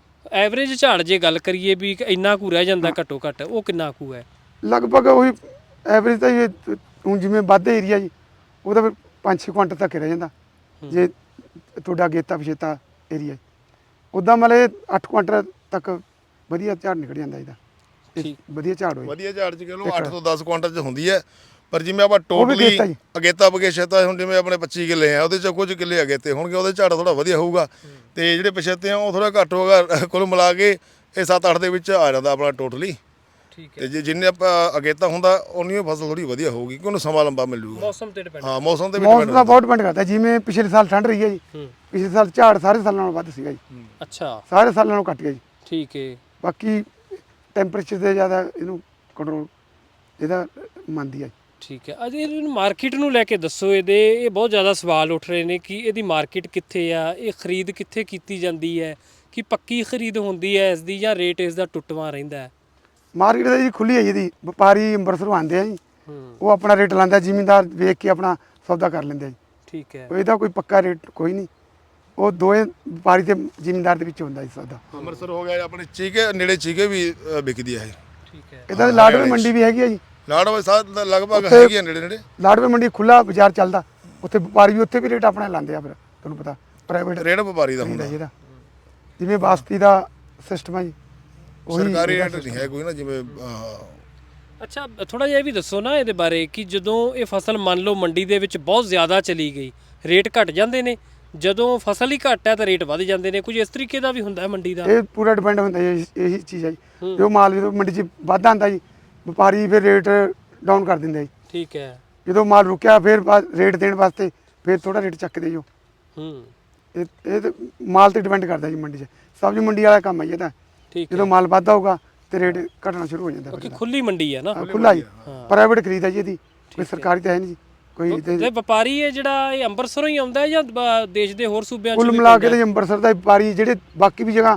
A: ਐਵਰੇਜ ਝਾੜ ਜੇ ਗੱਲ ਕਰੀਏ ਵੀ ਇੰਨਾ ਕੁ ਰਹਿ ਜਾਂਦਾ ਘੱਟੋ ਘੱਟ, ਉਹ ਕਿੰਨਾ ਕੁ ਹੈ?
C: ਲਗਭਗ ਉਹੀ ਐਵਰੇਜ ਤਾਂ ਇਹ ਹੁਣ ਜਿਵੇਂ ਵੱਧ ਏਰੀਆ ਜੀ ਉਹਦਾ ਫਿਰ ਪੰਜ ਛੇ ਕੁਆਂਟਲ ਤੱਕ ਹੀ ਰਹਿ ਜਾਂਦਾ, ਜੇ ਤੁਹਾਡਾ ਅਗੇਤਾ ਪਛੇਤਾ ਏਰੀਆ। ਉੱਦਾਂ ਮਤਲਬ ਇਹ ਅੱਠ ਕੁਆਂਟਲ ਤੱਕ ਵਧੀਆ ਝਾੜ ਨਿਕਲ ਜਾਂਦਾ ਇਹਦਾ,
A: ਠੀਕ,
C: ਵਧੀਆ ਝਾੜ ਹੋਈ।
B: ਵਧੀਆ ਝਾੜ 'ਚ ਕਿਲੋ ਅੱਠ ਤੋਂ ਦਸ ਕੁਆਂਟਲ 'ਚ ਹੁੰਦੀ ਹੈ। ਪਰ ਜਿਵੇਂ ਆਪਾਂ
C: ਵੀ
B: ਟੋਟਲੀ
C: ਅਗੇਤਾ ਜੀ।
B: ਅਗੇਤਾ ਪਛੇਤਾ, ਹੁਣ ਜਿਵੇਂ ਆਪਣੇ ਪੱਚੀ ਕਿੱਲੇ ਆ ਉਹਦੇ 'ਚ ਕੁਝ ਕਿੱਲੇ ਅਗੇਤੇ ਹੋਣਗੇ, ਉਹਦੇ ਝਾੜ ਥੋੜਾ ਵਧੀਆ ਹੋਊਗਾ, ਤੇ ਜਿਹੜੇ ਪਛੇਤੇ ਆ ਉਹ ਥੋੜਾ ਘੱਟ ਹੋਗਾ। ਕੁੱਲ ਮਿਲਾ ਕੇ ਇਹ ਸੱਤ ਅੱਠ ਦੇ ਵਿੱਚ ਆ ਜਾਂਦਾ ਆਪਣਾ ਟੋਟਲੀ।
A: ਠੀਕ ਹੈ,
B: ਤੇ ਜੇ ਜਿੰਨੇ ਆਪਾਂ ਅਗੇਤਾ ਹੁੰਦਾ ਉਨੀ ਉਹ ਫਸਲ ਥੋੜੀ ਵਧੀਆ ਹੋਊਗੀ, ਕਿਉਂਕਿ ਉਹਨੂੰ ਸਮਾਂ ਲੰਬਾ ਮਿਲ ਜੂਗਾ।
A: ਮੌਸਮ ਤੇ ਡਿਪੈਂਡ।
B: ਹਾਂ, ਮੌਸਮ ਤੇ ਵੀ
C: ਮੌਸਮ
B: depend
C: ਦਾ ਬਹੁਤ ਡਿਪੈਂਡ ਕਰਦਾ। ਜਿਵੇਂ ਪਿਛਲੇ ਸਾਲ ਠੰਡ ਰਹੀ ਹੈ ਜੀ,
A: ਹੂੰ,
C: ਪਿਛਲੇ ਸਾਲ ਝਾੜ ਸਾਰੇ ਸਾਲਾਂ ਨਾਲੋਂ ਵੱਧ ਸੀਗਾ ਜੀ,
A: ਅੱਛਾ,
C: ਸਾਰੇ ਸਾਲਾਂ ਨਾਲੋਂ ਘੱਟ ਗਿਆ ਜੀ।
A: ਠੀਕ ਹੈ,
C: ਬਾਕੀ ਟੈਂਪਰੇਚਰ ਤੇ ਜ਼ਿਆਦਾ ਇਹਨੂੰ ਕੰਟਰੋਲ ਇਹਦਾ ਮੰਨਦੀ ਹੈ।
A: ਠੀਕ ਹੈ। ਅਜੇ ਇਹਨੂੰ ਮਾਰਕੀਟ ਨੂੰ ਲੈ ਕੇ ਦੱਸੋ, ਇਹਦੇ ਇਹ ਬਹੁਤ ਜ਼ਿਆਦਾ ਸਵਾਲ ਉੱਠ ਰਹੇ ਨੇ ਕਿ ਇਹਦੀ ਮਾਰਕੀਟ ਕਿੱਥੇ ਆ, ਇਹ ਖਰੀਦ ਕਿੱਥੇ ਕੀਤੀ ਜਾਂਦੀ ਹੈ, ਕਿ ਪੱਕੀ ਖਰੀਦ ਹੁੰਦੀ ਹੈ ਇਸ ਦੀ ਜਾਂ ਰੇਟ ਇਸ ਦਾ ਟੁੱਟਵਾਂ ਰਹਿੰਦਾ ਹੈ?
C: ਮਾਰਕੀਟ ਤਾਂ ਜੀ ਖੁੱਲੀ ਹੈ ਜੀ, ਇਹਦੀ ਵਪਾਰੀ ਅੰਮ੍ਰਿਤਸਰੋਂ ਆਉਂਦੇ ਆ ਜੀ,
A: ਹੂੰ,
C: ਉਹ ਆਪਣਾ ਰੇਟ ਲਾਉਂਦਾ, ਜ਼ਿਮੀਂਦਾਰ ਵੇਖ ਕੇ ਆਪਣਾ ਸੌਦਾ ਕਰ ਲੈਂਦੇ ਆ ਜੀ।
A: ਠੀਕ ਹੈ,
C: ਇਹਦਾ ਕੋਈ ਪੱਕਾ ਰੇਟ ਕੋਈ ਨਹੀਂ, ਉਹ ਦੋਵੇਂ ਵਪਾਰੀ ਤੇ ਜ਼ਿਮੀਂਦਾਰ ਦੇ ਵਿੱਚ ਹੁੰਦਾ ਜੀ ਸੌਦਾ।
B: ਅੰਮ੍ਰਿਤਸਰ ਹੋ ਗਿਆ ਆਪਣੇ ਚੀਕੇ ਨੇੜੇ, ਚੀਕੇ ਵੀ ਅ, ਵਿਕਦੀ ਹੈ ਇਹ।
A: ਠੀਕ ਹੈ,
C: ਇਹਦਾ ਲਾੜਵੇ ਮੰਡੀ ਵੀ ਹੈਗੀ ਆ ਜੀ,
B: ਲਾੜਵਾ ਸਾਧ ਲਗਭਗ
C: ਉੱਥੇ-
B: ਹੈਗੀ ਆ ਨੇੜੇ ਨੇੜੇ।
C: ਲਾੜਵੇ ਮੰਡੀ ਖੁੱਲਾ ਬਾਜ਼ਾਰ ਚੱਲਦਾ, ਉੱਥੇ ਵਪਾਰੀ ਵੀ ਉੱਥੇ ਵੀ ਰੇਟ ਆਪਣਾ ਲਾਉਂਦੇ ਆ, ਫਿਰ ਤੁਹਾਨੂੰ ਪਤਾ ਪ੍ਰਾਈਵੇਟ
B: ਰੇਟ ਵਪਾਰੀ ਦਾ ਹੁੰਦਾ,
C: ਇਹਦਾ ਜਿਵੇਂ ਬਾਸਤੀ ਦਾ ਸਿਸਟਮ ਹੈ ਜੀ, ਉਹੀ
B: ਸਰਕਾਰੀ
C: ਇਹਦਾ
B: ਰੇਟ ਨਹੀਂ ਹੈ ਕੋਈ ਨਾ, ਜਿਵੇਂ ਅ,
A: ਅੱਛਾ, ਥੋੜਾ ਜਿਹਾ ਇਹ ਵੀ ਦੱਸੋ ਨਾ ਇਹਦੇ ਬਾਰੇ ਕਿ ਜਦੋਂ ਇਹ ਫਸਲ ਮੰਨ ਲਓ ਮੰਡੀ ਦੇ ਵਿੱਚ ਬਹੁਤ ਜ਼ਿਆਦਾ ਚਲੀ ਗਈ, ਰੇਟ ਘਟ ਜਾਂਦੇ ਨੇ, ਜਦੋਂ ਫਸਲ ਹੀ ਘੱਟ ਹੈ ਤਾਂ ਰੇਟ ਵੱਧ ਜਾਂਦੇ ਨੇ, ਕੁਝ ਇਸ ਤਰੀਕੇ ਦਾ ਵੀ ਹੁੰਦਾ ਹੈ ਮੰਡੀ ਦਾ?
C: ਇਹ ਪੂਰਾ ਡਿਪੈਂਡ ਹੁੰਦਾ ਜੀ, ਇਹੀ ਚੀਜ਼ ਹੈ ਜੀ। ਜੋ ਮਾਲ ਜਦੋਂ ਮੰਡੀ 'ਚ ਵਾਧਾ ਆਉਂਦਾ ਜੀ, ਵਪਾਰੀ ਫਿਰ ਰੇਟ ਡਾਊਨ ਕਰ ਦਿੰਦੇ ਜੀ।
A: ਠੀਕ ਹੈ,
C: ਜਦੋਂ ਮਾਲ ਰੁਕਿਆ ਫਿਰ ਬਾਅਦ ਰੇਟ ਦੇਣ ਵਾਸਤੇ ਫਿਰ ਥੋੜਾ ਰੇਟ ਚੱਕਦੇ ਜੋ।
A: ਹੂੰ,
C: ਇਹ ਇਹ ਤੇ ਮਾਲ ਤੇ ਡਿਪੈਂਡ ਕਰਦਾ ਜੀ ਮੰਡੀ 'ਚ, ਸਬਜ਼ੀ ਮੰਡੀ ਵਾਲਾ ਕੰਮ ਹੈ ਜੀ ਇਹਦਾ।
A: ਠੀਕ
C: ਜਦੋਂ
A: ਹੈ,
C: ਮਾਲ ਵੱਧਦਾ ਹੋਊਗਾ ਤੇ ਰੇਟ ਘਟਣਾ ਸ਼ੁਰੂ ਹੋ ਜਾਂਦਾ
A: ਕਿਉਂਕਿ
C: ਫਿਰ।
A: ਖੁੱਲੀ ਮੰਡੀ ਹੈ ਨਾ।
C: ਖੁੱਲਾ ਜੀ,
A: ਹਾਂ।
C: ਪ੍ਰਾਈਵੇਟ ਖਰੀਦ ਹੈ ਜੀ ਇਹਦੀ, ਕੋਈ ਸਰਕਾਰੀ ਤਾਂ ਹੈ ਨਹੀਂ ਜੀ ਕੋਈ।
A: ਤੇ ਵਪਾਰੀ ਹੈ ਜਿਹੜਾ ਇਹ ਅੰਮ੍ਰਿਤਸਰੋਂ ਹੀ ਆਉਂਦਾ ਹੈ ਜਾਂ ਬ- ਦੇਸ਼ ਦੇ ਹੋਰ ਸੂਬਿਆਂ 'ਚ
C: ਕੁੱਲ
A: ਵੀ
C: ਮਿਲਾ ਕੇ
A: ਪੈਂਦਾ
C: ਤੇ ਅੰਮ੍ਰਿਤਸਰ ਦਾ ਵਪਾਰੀ ਜਿਹੜੇ ਬਾਕੀ ਵੀ ਜਗ੍ਹਾ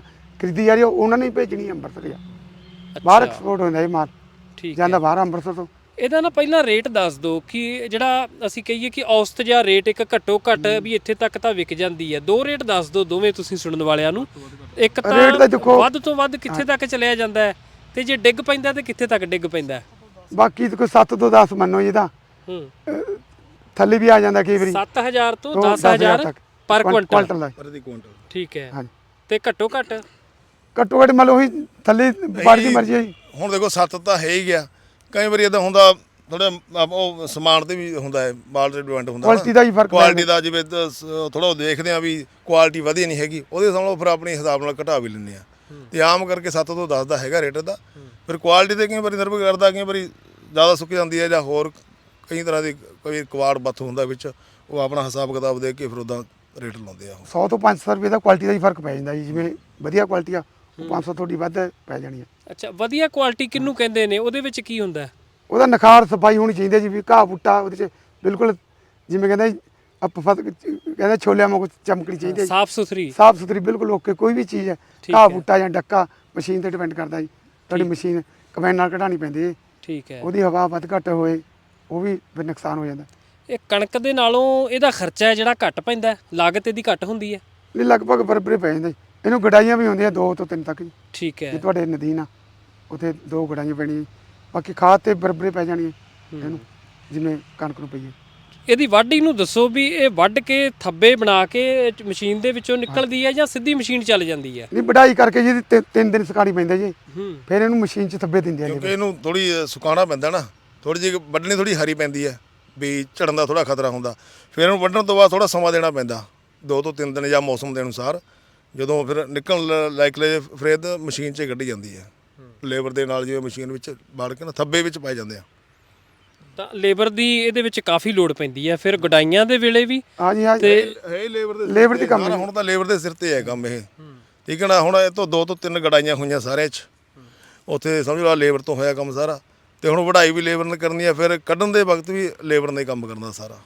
C: ਖਰੀਦੀ ਜਾ ਰਹੀ ਆ, ਉਹਨਾਂ ਨੇ ਹੀ ਭੇਜਣੀ ਅੰਮ੍ਰਿਤਸਰ ਆ। ਬਾਹਰ
A: ਅੱਛਾ,
C: ਐਕਸਪੋਰਟ ਹੁੰਦਾ ਇਹ ਮਾਲ,
A: ਠੀਕ
C: ਜਾਂਦਾ
A: ਹੈ।
C: ਬਾਹਰ ਅੰਮ੍ਰਿਤਸਰ ਤੋਂ।
A: ਇਹਦਾ ਨਾ ਪਹਿਲਾਂ ਰੇਟ ਦੱਸ ਦਿਓ ਕਿ ਜਿਹੜਾ ਅਸੀਂ ਕਹੀਏ ਕਿ ਔਸਤ ਜਾਂ ਰੇਟ ਇੱਕ ਘੱਟੋ ਘੱਟ ਵੀ ਇੱਥੇ ਤੱਕ ਤਾਂ ਵਿਕ ਜਾਂਦੀ ਹੈ। ਦੋ ਰੇਟ ਦੱਸ ਦਿਓ ਦੋਵੇਂ ਤੁਸੀਂ ਸੁਣਨ ਵਾਲਿਆਂ ਨੂੰ। ਇੱਕ
C: ਰੇਟ ਤਾਂ
A: ਤਾਂ
C: ਦੇਖੋ-
A: ਵੱਧ ਤੋਂ ਵੱਧ ਕਿੱਥੇ ਤੱਕ ਚਲਿਆ ਜਾਂਦਾ ਹੈ, ਤੇ ਜੇ ਡਿੱਗ ਪੈਂਦਾ ਤੇ ਕਿੱਥੇ ਤੱਕ ਡਿੱਗ ਪੈਂਦਾ ਹੈ?
C: ਬਾਕੀ ਤਾਂ ਕੋਈ ਸੱਤ ਤੋਂ ਦਸ ਮੰਨੋ ਜੀ ਤਾਂ,
A: ਹੂੰ,
C: ਥੱਲੇ ਵੀ ਆ ਜਾਂਦਾ ਕਈ ਵਾਰੀ
A: ਸੱਤ ਹਜ਼ਾਰ ਤੋਂ
C: ਤੋਂ
A: ਦਸ ਹਜ਼ਾਰ
C: ਤੱਕ
A: ਪਰ
C: ਕੁਆਂਟਲ
A: ਕੁਇੰਟਲ।
C: ਦਾ।
B: ਪ੍ਰਤੀ ਕੁਇੰਟਲ।
A: ਠੀਕ ਹੈ।
C: ਹਾਂਜੀ,
A: ਤੇ ਘੱਟੋ ਘੱਟ
C: ਘੱਟੋ ਘੱਟ ਮੰਨ ਲਓ ਉਹੀ ਥੱਲੇ ਵਪਾਰੀ ਦੀ ਮਰਜ਼ੀ ਹੈ ਜੀ।
B: ਹੁਣ ਦੇਖੋ ਸੱਤ ਤਾਂ ਹੈ ਹੀ ਗਿਆ, ਕਈ ਵਾਰੀ ਇਦਾਂ ਹੁੰਦਾ ਥੋੜਾ ਉਹ ਸਮਾਨ ਤੇ ਵੀ ਹੁੰਦਾ ਹੈ, ਮਾਲ ਤੇ ਡਿਪੈਂਡ ਹੁੰਦਾ
C: ਕੁਆਲਿਟੀ ਦਾ ਹੀ ਫਰਕ ਪੈ
B: ਕੁਆਲਿਟੀ ਦਾ, ਜਿਵੇਂ ਥੋੜਾ ਦੇਖਦੇ ਆ ਵੀ ਕੁਆਲਿਟੀ ਵਧੀਆ ਨਹੀਂ ਹੈਗੀ, ਉਹਦੇ ਸਾਹਮਣੇ ਫਿਰ ਆਪਣੇ ਹਿਸਾਬ ਨਾਲ ਘਟਾ ਵੀ ਲੈਂਦੇ ਆ। ਤੇ ਆਮ ਕਰਕੇ ਸੱਤ ਤੋਂ ਦਸ ਦਾ ਹੈਗਾ ਰੇਟ ਦਾ। ਫਿਰ ਕੁਆਲਿਟੀ ਤੇ ਕਈ ਵਾਰੀ ਨਿਰਭਰ ਕਰਦਾ, ਕਈ ਵਾਰੀ ਜ਼ਿਆਦਾ ਸੁੱਕ ਜਾਂਦੀ ਹੈ ਜਾਂ ਹੋਰ ਕਈ ਤਰ੍ਹਾਂ ਦੀ ਕੋਈ ਕਵਾੜ ਬੱਥ ਹੁੰਦਾ ਵਿੱਚ, ਉਹ ਆਪਣਾ ਹਿਸਾਬ ਕਿਤਾਬ ਦੇ ਕੇ ਫਿਰ ਉੱਦਾਂ ਰੇਟ ਲਾਉਂਦੇ ਆ।
C: ਸੌ ਤੋਂ ਪੰਜ ਸੌ ਰੁਪਏ ਦਾ ਕੁਆਲਿਟੀ ਦਾ ਹੀ ਫਰਕ ਪੈ ਜਾਂਦਾ ਜੀ। ਜਿਵੇਂ ਵਧੀਆ ਕੁਆਲਿਟੀ ਆ ਉਹ ਪੰਜ ਸੌ ਥੋੜੀ ਵੱਧ ਪੈ ਜਾਣੀ ਹੈ।
A: ਅੱਛਾ, ਵਧੀਆ ਕੁਆਲਿਟੀ ਕਿਹਨੂੰ ਕਹਿੰਦੇ ਨੇ? ਉਹਦੇ ਵਿੱਚ ਕੀ ਹੁੰਦਾ?
C: ਉਹਦਾ ਨਿਖਾਰ ਸਫਾਈ ਹੋਣੀ ਚਾਹੀਦੀ ਹੈ ਜੀ, ਵੀ ਘਾਹ ਬੂਟਾ ਉਹਦੇ 'ਚ ਬਿਲਕੁਲ ਜਿਵੇਂ ਕਹਿੰਦਾ ਜੀ ਅਪਫਤ ਕਹਿੰਦਾ ਛੋਲਿਆਂ ਵਾਂਗੂ ਚਮਕਣੀ ਚਾਹੀਦੀ ਹੈ,
A: ਸਾਫ ਸੁਥਰੀ।
C: ਸਾਫ ਸੁਥਰੀ ਬਿਲਕੁਲ ਓਕੇ। ਕੋਈ ਵੀ ਚੀਜ਼ ਹੈ,
A: ਠੀਕ
C: ਘਾਹ
A: ਹੈ।
C: ਬੂਟਾ ਜਾਂ ਡੱਕਾ ਮਸ਼ੀਨ ਤੇ ਡਿਪੈਂਡ ਕਰਦਾ ਜੀ। ਤੁਹਾਡੀ ਮਸ਼ੀਨ ਕੰਬਾਈਨ ਨਾਲ ਕਢਾਉਣੀ ਪੈਂਦੀ ਹੈ,
A: ਠੀਕ ਹੈ।
C: ਉਹਦੀ ਹਵਾ ਵੱਧ ਘੱਟ ਹੋਏ ਉਹ ਵੀ ਫਿਰ ਨੁਕਸਾਨ ਹੋ ਜਾਂਦਾ।
A: ਇਹ ਕਣਕ ਦੇ ਨਾਲੋਂ ਇਹਦਾ ਖਰਚਾ ਹੈ ਜਿਹੜਾ ਘੱਟ ਪੈਂਦਾ ਹੈ, ਲਾਗਤ ਇਹਦੀ ਘੱਟ ਹੁੰਦੀ ਹੈ।
C: ਇਹ ਲਗਭਗ ਬਰਾਬਰ ਪੈ ਜਾਂਦਾ ਜੀ। ਇਹਨੂੰ ਗਡਾਈਆਂ ਵੀ ਹੁੰਦੀਆਂ ਦੋ ਤੋਂ ਤਿੰਨ ਤੱਕ ਜੀ।
A: ਠੀਕ ਹੈ।
C: ਜੇ ਤੁਹਾਡੇ ਨਦੀਨ ਆ ਉੱਥੇ ਦੋ ਗਡਾਈਆਂ ਪੈਣੀਆਂ ਜੀ। ਬਾਕੀ ਖਾਦ ਤੇ ਬਰਾਬਰ ਪੈ ਜਾਣੀ ਹੈ ਇਹਨੂੰ, ਜਿਵੇਂ ਕਣਕ ਨੂੰ ਪਈਏ।
A: ਇਹਦੀ ਵਾਢੀ ਨੂੰ ਦੱਸੋ ਵੀ ਇਹ ਵੱਢ ਕੇ ਥੱਬੇ ਬਣਾ ਕੇ ਮਸ਼ੀਨ ਦੇ ਵਿੱਚੋਂ ਨਿਕਲਦੀ ਹੈ ਜਾਂ ਸਿੱਧੀ ਮਸ਼ੀਨ ਚੱਲ ਜਾਂਦੀ ਹੈ?
C: ਨਹੀਂ, ਵਢਾਈ ਕਰਕੇ ਜੀ ਤਿੰਨ ਤਿੰਨ ਦਿਨ ਸੁਕਾਉਣੀ ਪੈਂਦਾ ਜੀ।
A: ਹੂੰ,
C: ਫਿਰ ਇਹਨੂੰ ਮਸ਼ੀਨ 'ਚ ਥੱਬੇ ਦਿੰਦੇ ਆ
B: ਕਿਉਂਕਿ
C: ਜੀ।
B: ਇਹਨੂੰ ਥੋੜੀ ਸੁਕਾਉਣਾ ਪੈਂਦਾ ਨਾ, ਥੋੜੀ ਜਿਹੀ ਵੱਢਣੀ ਥੋੜੀ ਹਰੀ ਪੈਂਦੀ ਹੈ ਵੀ ਝੜਨ ਦਾ ਥੋੜਾ ਖਤਰਾ ਹੁੰਦਾ। ਫਿਰ ਇਹਨੂੰ ਵੱਢਣ ਤੋਂ ਬਾਅਦ ਥੋੜਾ ਸਮਾਂ ਦੇਣਾ ਪੈਂਦਾ, ਦੋ ਤੋਂ ਤਿੰਨ ਦਿਨ ਜਾਂ ਮੌਸਮ ਦੇ ਅਨੁਸਾਰ। ਜਦੋਂ ਫਿਰ ਨਿਕਲਣ ਲਾਇਕ ਲੈ ਫਿਰ ਤਾਂ ਮਸ਼ੀਨ 'ਚ ਕੱਢੀ ਜਾਂਦੀ ਹੈ ਲੇਬਰ ਦੇ ਨਾਲ, ਜਿਵੇਂ ਮਸ਼ੀਨ ਵਿੱਚ ਵੜ ਕੇ ਨਾ ਥੱਬੇ ਵਿੱਚ ਪਾਏ ਜਾਂਦੇ ਆ।
A: ਤਾਂ ਲੇਬਰ ਦੀ ਇਹਦੇ ਵਿੱਚ ਕਾਫੀ ਲੋੜ ਪੈਂਦੀ ਹੈ। ਫਿਰ ਗੁਡਾਈਆਂ ਦੇ ਵੇਲੇ ਵੀ
C: ਹਾਂਜੀ ਹਾਂ
A: ਤੇ
B: ਹੈ ਹੀ ਲੇਬਰ ਦੇ
C: ਲੇਬਰ ਦੀ ਕੰਮ ਹੈ।
B: ਹੁਣ ਤਾਂ ਲੇਬਰ ਦੇ ਸਿਰ ਤੇ ਹੈ ਕੰਮ ਇਹ, ਠੀਕ ਹੈ ਨਾ। ਹੁਣ ਇਹ ਤੋਂ ਦੋ ਤੋਂ ਤਿੰਨ ਗੜਾਈਆਂ ਹੋਈਆਂ ਸਾਰਿਆਂ 'ਚ, ਉੱਥੇ ਸਮਝ ਲਓ ਲੇਬਰ ਤੋਂ ਹੋਇਆ ਕੰਮ ਸਾਰਾ। ਤੇ ਹੁਣ ਵਢਾਈ ਵੀ ਲੇਬਰ ਨੇ ਕਰਨੀ ਹੈ, ਫਿਰ ਕੱਢਣ ਦੇ ਵਕਤ ਵੀ ਲੇਬਰ ਨੇ ਕੰਮ ਕਰਨਾ ਸਾਰਾ।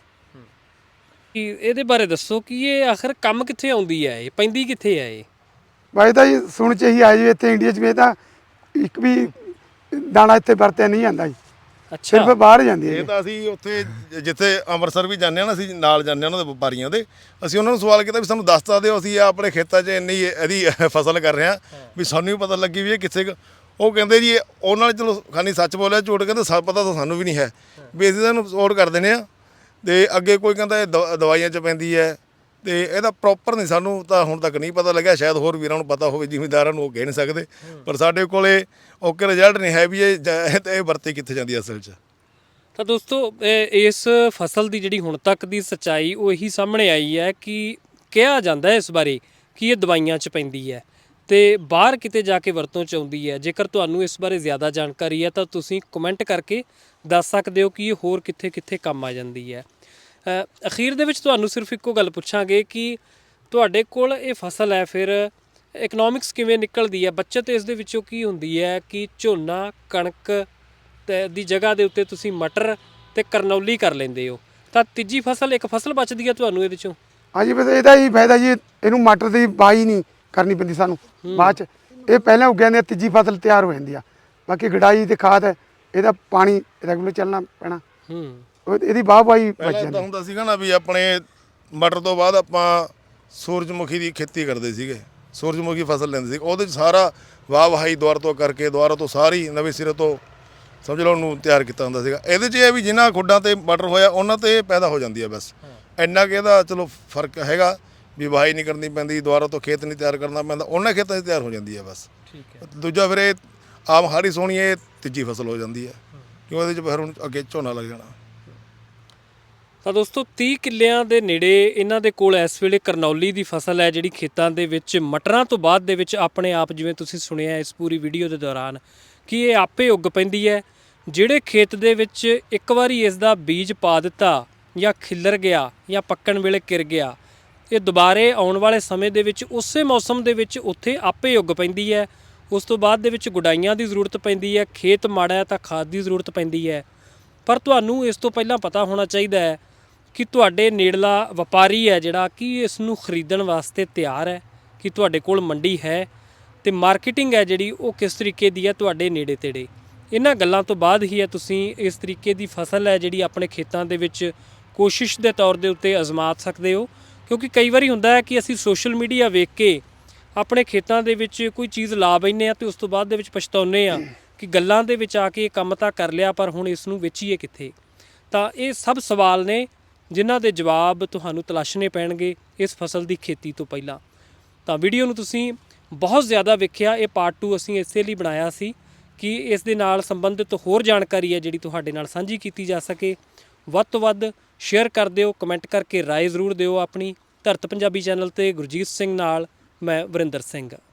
A: ਕੀ ਇਹਦੇ ਬਾਰੇ ਦੱਸੋ ਕਿ ਇਹ ਆਖਰ ਕੰਮ ਕਿੱਥੇ ਆਉਂਦੀ ਹੈ, ਇਹ ਪੈਂਦੀ ਕਿੱਥੇ ਹੈ? ਇਹ
C: ਬਾਈ ਤਾਂ ਜੀ ਸੁਣ 'ਚ ਇਹੀ ਆਇਆ ਜੀ ਇੱਥੇ ਇੰਡੀਆ 'ਚ ਵੀ ਇਹ ਤਾਂ ਇੱਕ ਵੀ ਦਾਣਾ ਇੱਥੇ ਵਰਤਿਆ ਨਹੀਂ ਜਾਂਦਾ ਜੀ,
A: ਅੱਛਾ,
C: ਸਿਰਫ ਬਾਹਰ ਜਾਂਦੀ ਹੈ
B: ਇਹ
C: ਜੀ।
B: ਤਾਂ ਅਸੀਂ ਉੱਥੇ ਜਿੱਥੇ ਅੰਮ੍ਰਿਤਸਰ ਵੀ ਜਾਂਦੇ ਹਾਂ ਨਾ, ਅਸੀਂ ਨਾਲ ਜਾਂਦੇ ਹਾਂ ਉਹਨਾਂ ਦੇ ਵਪਾਰੀਆਂ ਦੇ। ਅਸੀਂ ਉਹਨਾਂ ਨੂੰ ਸਵਾਲ ਕੀਤਾ ਵੀ ਸਾਨੂੰ ਦੱਸ ਤਾਂ ਦਿਓ, ਅਸੀਂ ਆਪਣੇ ਖੇਤਾਂ 'ਚ ਇੰਨੀ ਇਹਦੀ ਫਸਲ ਕਰ ਰਹੇ ਹਾਂ ਵੀ ਸਾਨੂੰ ਵੀ ਪਤਾ ਲੱਗੀ ਵੀ ਇਹ ਕਿੱਥੇ ਕੁ। ਉਹ ਕਹਿੰਦੇ ਜੀ ਉਹਨਾਂ ਨੇ ਚਲੋ ਖਾਨੀ ਸੱਚ ਬੋਲਿਆ, ਝੂਠ ਕਹਿੰਦੇ ਸਾ ਪਤਾ ਤਾਂ ਸਾਨੂੰ ਵੀ ਨਹੀਂ ਹੈ ਵੀ ਅਸੀਂ ਇਹਨੂੰ ਸਪੋਰਟ ਕਰ ਦਿੰਦੇ ਹਾਂ। ਤੇ ਅੱਗੇ ਕੋਈ ਕਹਿੰਦਾ ਇਹ ਦਵਾ- ਦਵਾਈਆਂ 'ਚ ਪੈਂਦੀ ਹੈ, ਤੇ ਇਹਦਾ ਪ੍ਰੋਪਰ ਨਹੀਂ ਸਾਨੂੰ ਤਾਂ ਹੁਣ ਤੱਕ ਨਹੀਂ ਪਤਾ ਲੱਗਿਆ। ਸ਼ਾਇਦ ਹੋਰ ਵੀਰਾਂ ਨੂੰ ਪਤਾ ਹੋਵੇ, ਜ਼ਿਮੀਂਦਾਰਾਂ ਨੂੰ, ਉਹ ਕਹਿ ਨਹੀਂ ਸਕਦੇ। ਪਰ ਸਾਡੇ ਕੋਲੇ ਓਕੇ ਰਿਜ਼ਲਟ ਨਹੀਂ ਹੈ ਵੀ ਇਹ ਜ- ਇਹ ਵਰਤੀ ਕਿੱਥੇ ਜਾਂਦੀ ਹੈ ਅਸਲ 'ਚ।
A: ਤਾਂ ਦੋਸਤੋ ਇਹ- ਇਸ ਫਸਲ ਦੀ ਜਿਹੜੀ ਹੁਣ ਤੱਕ ਦੀ ਸੱਚਾਈ ਉਹ ਇਹੀ ਸਾਹਮਣੇ ਆਈ ਹੈ ਕਿ ਕਿਹਾ ਜਾਂਦਾ ਹੈ ਇਸ ਬਾਰੇ ਕਿ ਇਹ ਦਵਾਈਆਂ 'ਚ ਪੈਂਦੀ ਹੈ ਤੇ ਬਾਹਰ ਕਿਤੇ ਜਾ ਕੇ ਵਰਤੋਂ 'ਚ ਆਉਂਦੀ ਹੈ। ਜੇਕਰ ਤੁਹਾਨੂੰ ਇਸ ਬਾਰੇ ਜ਼ਿਆਦਾ ਜਾਣਕਾਰੀ ਹੈ ਤਾਂ ਤੁਸੀਂ ਕਮੈਂਟ ਕਰਕੇ ਦੱਸ ਸਕਦੇ ਹੋ ਕਿ ਇਹ ਹੋਰ ਕਿੱਥੇ ਕਿੱਥੇ ਕੰਮ ਆ ਜਾਂਦੀ ਹੈ। ਅ, ਅਖੀਰ ਦੇ ਵਿੱਚ ਤੁਹਾਨੂੰ ਸਿਰਫ ਇੱਕੋ ਗੱਲ ਪੁੱਛਾਂਗੇ ਕਿ ਤੁਹਾਡੇ ਕੋਲ ਇਹ ਫਸਲ ਹੈ, ਫਿਰ ਇਕਨੋਮਿਕਸ ਕਿਵੇਂ ਨਿਕਲਦੀ ਹੈ? ਬੱਚਤ ਇਸ ਦੇ ਵਿੱਚੋਂ ਕੀ ਹੁੰਦੀ ਹੈ ਕਿ ਝੋਨਾ ਕਣਕ ਤੇ ਦੀ ਜਗ੍ਹਾ ਦੇ ਉੱਤੇ ਤੁਸੀਂ ਮਟਰ ਤੇ ਕਰਨੌਲੀ ਕਰ ਲੈਂਦੇ ਹੋ, ਤਾਂ ਤੀਜੀ ਫਸਲ ਇੱਕ ਫਸਲ ਬਚਦੀ ਹੈ ਤੁਹਾਨੂੰ ਇਹਦੇ ਵਿੱਚੋਂ?
C: ਹਾਂਜੀ, ਬਸ ਇਹਦਾ ਹੀ ਫਾਇਦਾ ਜੀ, ਇਹਨੂੰ ਮਟਰ ਦੀ ਬਾਈ ਨਹੀਂ ਕਰਨੀ ਪੈਂਦੀ ਸਾਨੂੰ ਬਾਅਦ 'ਚ। ਇਹ ਪਹਿਲਾਂ ਉੱਗਿਆ ਨੇ ਤੀਜੀ ਫਸਲ ਤਿਆਰ ਹੋ ਜਾਂਦੀ ਆ। ਬਾਕੀ ਗਡਾਈ ਤੇ ਖਾਦ ਹੈ, ਇਹਦਾ ਪਾਣੀ ਰੈਗੂਲਰ ਚੱਲਣਾ ਪੈਣਾ,
A: ਹੂੰ,
C: ਉਹ ਇਹਦੀ ਵਾਹ ਵਾਹੀ ਬਚ
B: ਪਹਿਲਾਂ
C: ਜਾਂਦੀ।
B: ਤਾਂ ਹੁੰਦਾ ਸੀਗਾ ਨਾ ਵੀ ਆਪਣੇ ਮਟਰ ਤੋਂ ਬਾਅਦ ਆਪਾਂ ਸੂਰਜਮੁਖੀ ਦੀ ਖੇਤੀ ਕਰਦੇ ਸੀਗੇ, ਸੂਰਜਮੁਖੀ ਫਸਲ ਲੈਂਦੇ ਸੀ। ਉਹਦੇ 'ਚ ਸਾਰਾ ਵਾਹ ਵਾਹੀ ਦੁਆਰਾ ਤੋਂ ਕਰਕੇ ਦੁਆਰਾ ਤੋਂ ਸਾਰੀ ਨਵੇਂ ਸਿਰੇ ਤੋਂ ਸਮਝ ਲਓ ਉਹਨੂੰ ਤਿਆਰ ਕੀਤਾ ਹੁੰਦਾ ਸੀਗਾ। ਇਹਦੇ 'ਚ ਇਹ ਵੀ ਜਿਨ੍ਹਾਂ ਖੁੱਡਾਂ ਤੇ ਮਟਰ ਹੋਇਆ ਉਹਨਾਂ ਤੇ ਪੈਦਾ ਹੋ ਜਾਂਦੀ ਹੈ ਬਸ। ਇੰਨਾ ਕਿ ਇਹਦਾ ਚਲੋ ਫਰਕ ਹੈਗਾ ਵੀ ਵਾਹੀ ਨਹੀਂ ਕਰਨੀ ਪੈਂਦੀ, ਦੁਆਰਾ ਤੋਂ ਖੇਤ ਨਹੀਂ ਤਿਆਰ ਕਰਨਾ ਪੈਂਦਾ, ਉਹਨਾਂ ਖੇਤਾਂ 'ਚ ਤਿਆਰ ਹੋ ਜਾਂਦੀ ਹੈ ਬਸ।
A: ਠੀਕ ਹੈ।
B: ਦੂਜਾ ਫਿਰ ਇਹ ਆਮ ਹਾੜੀ ਸੋਹਣੀ ਇਹ ਤੀਜੀ ਫਸਲ ਹੋ ਜਾਂਦੀ ਹੈ, ਕਿਉਂ ਇਹਦੇ 'ਚ ਫਿਰ ਹੁਣ ਅੱਗੇ ਝੋਨਾ ਲੱਗ ਜਾਣਾ।
A: ਤਾਂ ਦੋਸਤੋ ਤੀਹ ਕਿੱਲਿਆਂ ਦੇ ਨੇੜੇ ਇਹਨਾਂ ਦੇ ਕੋਲ ਇਸ ਵੇਲੇ ਕਰਨੌਲੀ ਦੀ ਫਸਲ ਹੈ, ਜਿਹੜੀ ਖੇਤਾਂ ਦੇ ਵਿੱਚ ਮਟਰਾਂ ਤੋਂ ਬਾਅਦ ਦੇ ਵਿੱਚ ਆਪਣੇ ਆਪ, ਜਿਵੇਂ ਤੁਸੀਂ ਸੁਣਿਆ ਇਸ ਪੂਰੀ ਵੀਡੀਓ ਦੇ ਦੌਰਾਨ, ਕਿ ਇਹ ਆਪੇ ਉੱਗ ਪੈਂਦੀ ਹੈ। ਜਿਹੜੇ ਖੇਤ ਦੇ ਵਿੱਚ ਇੱਕ ਵਾਰੀ ਇਸ ਦਾ ਬੀਜ ਪਾ ਦਿੱਤਾ ਜਾਂ ਖਿੱਲਰ ਗਿਆ ਜਾਂ ਪੱਕਣ ਵੇਲੇ ਕਿਰ ਗਿਆ, ਇਹ ਦੁਬਾਰੇ ਆਉਣ ਵਾਲੇ ਸਮੇਂ ਦੇ ਵਿੱਚ ਉਸੇ ਮੌਸਮ ਦੇ ਵਿੱਚ ਉੱਥੇ ਆਪੇ ਉੱਗ ਪੈਂਦੀ ਹੈ। ਉਸ ਤੋਂ ਬਾਅਦ ਦੇ ਵਿੱਚ ਗੁਡਾਈਆਂ ਦੀ ਜ਼ਰੂਰਤ ਪੈਂਦੀ ਹੈ, ਖੇਤ ਮਾੜਾ ਹੈ ਤਾਂ ਖਾਦ ਦੀ ਜ਼ਰੂਰਤ ਪੈਂਦੀ ਹੈ। ਪਰ ਤੁਹਾਨੂੰ ਇਸ ਤੋਂ ਪਹਿਲਾਂ ਪਤਾ ਹੋਣਾ ਚਾਹੀਦਾ ਹੈ ਕਿ ਤੁਹਾਡੇ ਨੇੜਲਾ ਵਪਾਰੀ ਹੈ ਜਿਹੜਾ, ਕਿ ਇਸ ਨੂੰ ਖਰੀਦਣ ਵਾਸਤੇ ਤਿਆਰ ਹੈ, ਕਿ ਤੁਹਾਡੇ ਕੋਲ ਮੰਡੀ ਹੈ। ਤੇ ਮਾਰਕੀਟਿੰਗ ਹੈ ਜਿਹੜੀ ਉਹ ਕਿਸ ਤਰੀਕੇ ਦੀ ਹੈ ਤੁਹਾਡੇ ਨੇੜੇ ਤੇੜੇ। ਇਹਨਾਂ ਗੱਲਾਂ ਤੋਂ ਬਾਅਦ ਹੀ ਹੈ ਤੁਸੀਂ ਇਸ ਤਰੀਕੇ ਦੀ ਫਸਲ ਹੈ ਜਿਹੜੀ ਆਪਣੇ ਖੇਤਾਂ ਦੇ ਵਿੱਚ ਕੋਸ਼ਿਸ਼ ਦੇ ਤੌਰ ਦੇ ਉੱਤੇ ਅਜ਼ਮਾ ਸਕਦੇ ਹੋ। ਕਿਉਂਕਿ ਕਈ ਵਾਰੀ ਹੁੰਦਾ ਹੈ ਕਿ ਅਸੀਂ ਸੋਸ਼ਲ ਮੀਡੀਆ ਵੇਖ ਕੇ ਆਪਣੇ ਖੇਤਾਂ ਦੇ ਵਿੱਚ ਕੋਈ ਚੀਜ਼ ਲਾ ਬੈਂਦੇ ਹਾਂ ਤੇ ਉਸ ਤੋਂ ਬਾਅਦ ਦੇ ਵਿੱਚ ਪਛਤਾਉਂਦੇ ਹਾਂ ਕਿ ਗੱਲਾਂ ਦੇ ਵਿੱਚ ਆ ਕੇ ਇਹ ਕੰਮ ਤਾਂ ਕਰ ਲਿਆ ਪਰ ਹੁਣ ਇਸ ਨੂੰ ਵੇਚੀਏ ਕਿੱਥੇ। ਤਾਂ ਇਹ ਸਭ ਸਵਾਲ ਨੇ ਜਿਨ੍ਹਾਂ ਦੇ ਜਵਾਬ ਤੁਹਾਨੂੰ ਤਲਾਸ਼ਣੇ ਪੈਣਗੇ ਇਸ ਫਸਲ ਦੀ ਖੇਤੀ ਤੋਂ ਪਹਿਲਾਂ। ਤਾਂ ਵੀਡੀਓ ਨੂੰ ਤੁਸੀਂ ਬਹੁਤ ਜ਼ਿਆਦਾ ਵੇਖਿਆ। ਇਹ ਪਾਰਟ ਟੂ ਅਸੀਂ ਇਸੇ ਲਈ ਬਣਾਇਆ ਸੀ ਕਿ ਇਸ ਦੇ ਨਾਲ ਸੰਬੰਧਿਤ ਹੋਰ ਜਾਣਕਾਰੀ ਹੈ ਜਿਹੜੀ ਤੁਹਾਡੇ ਨਾਲ ਸਾਂਝੀ ਕੀਤੀ ਜਾ ਸਕੇ। ਵੱਧ ਤੋਂ ਵੱਧ ਸ਼ੇਅਰ ਕਰ ਦਿਓ, ਕਮੈਂਟ ਕਰਕੇ ਰਾਏ ਜ਼ਰੂਰ ਦਿਓ ਆਪਣੀ। ਧਰਤ ਪੰਜਾਬੀ ਚੈਨਲ ਤੇ ਗੁਰਜੀਤ ਸਿੰਘ ਨਾਲ ਮੈਂ ਵਰਿੰਦਰ ਸਿੰਘ।